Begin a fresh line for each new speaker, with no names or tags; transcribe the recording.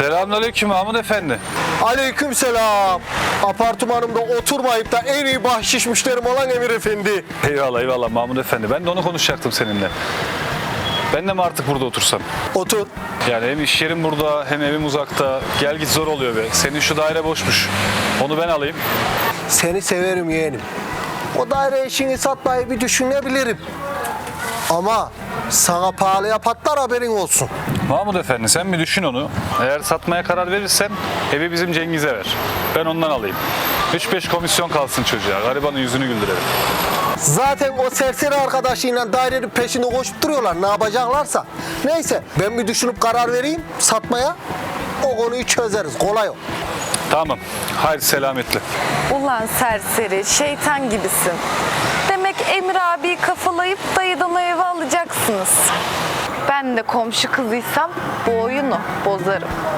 Selamünaleyküm Mahmut Efendi.
Aleykümselam. Apartmanımda oturmayıp da en iyi bahşiş müşterim olan Emir Efendi.
Eyvallah eyvallah Mahmut Efendi. Ben de onu konuşacaktım seninle. Ben de mi artık burada otursam?
Otur.
Yani hem iş yerim burada hem evim uzakta. Gel git zor oluyor be. Senin şu daire boşmuş. Onu ben alayım.
Seni severim yeğenim. O daire işini satmayı bir düşünebilirim. Ama sana pahalıya patlar, haberin olsun.
Mahmut Efendi sen bir düşün onu. Eğer satmaya karar verirsen evi bizim Cengiz'e ver. Ben ondan alayım. 3-5 komisyon kalsın çocuğa. Garibanın yüzünü güldürelim.
Zaten o serseri arkadaşıyla dairenin peşinde koşup duruyorlar, ne yapacaklarsa. Neyse, ben bir düşünüp karar vereyim satmaya. O konuyu çözeriz, kolay o.
Tamam. Haydi selametle.
Ulan serseri, şeytan gibisin. Demek Emir abiyi kafalayıp dayıdan o evi alacaksınız. Ben de komşu kızıysam bu oyunu bozarım.